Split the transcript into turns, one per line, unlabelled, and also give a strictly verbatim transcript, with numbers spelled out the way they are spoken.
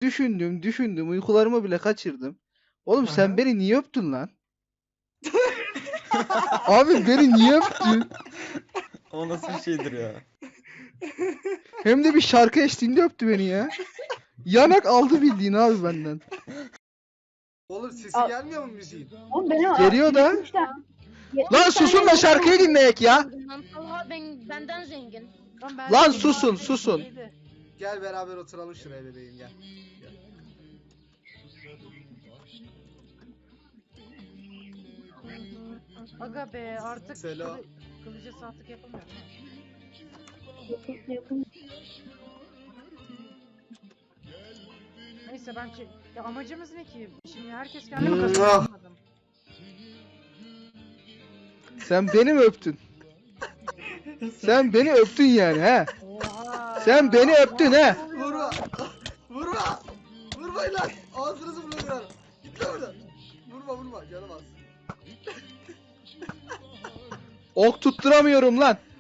düşündüm düşündüm uykularımı bile kaçırdım. Oğlum sen
Aha.
beni niye öptün lan? Abi beni niye öptün?
O nasıl bir şeydir ya?
Hem de bir şarkı eşliğinde öptü beni ya. Yanak aldı bildiğin abi benden.
Oğlum sesi
Al.
gelmiyor mu müziğin?
Oğlum benim
Geliyor da.
yetmiş tane- yetmiş
Lan susun
tane
da şarkıyı dinleyek ya.
Talha ben, benden zengin.
Lan, ben
Lan
de-
susun, susun.
Neydi?
Gel beraber oturalım şuraya bebeğim gel. Gel.
Aga be artık
Selo.
kılı, kılıca saatlik yapamıyorum.
yapın- yapın.
Neyse ben çe- ya amacımız ne ki? Şimdi herkes kendi mi
Hmm,
kazanıyor?
ah.
Anlamadım.
Sen beni mi öptün? Sen beni öptün yani he?
Oha.
Sen beni öptün he?
Vurma! Vurma! Vurmayın lan! Ağzınızı burnunu kırarım. Git lan buradan. Vurma vurma canım az.
Ok tutturamıyorum lan.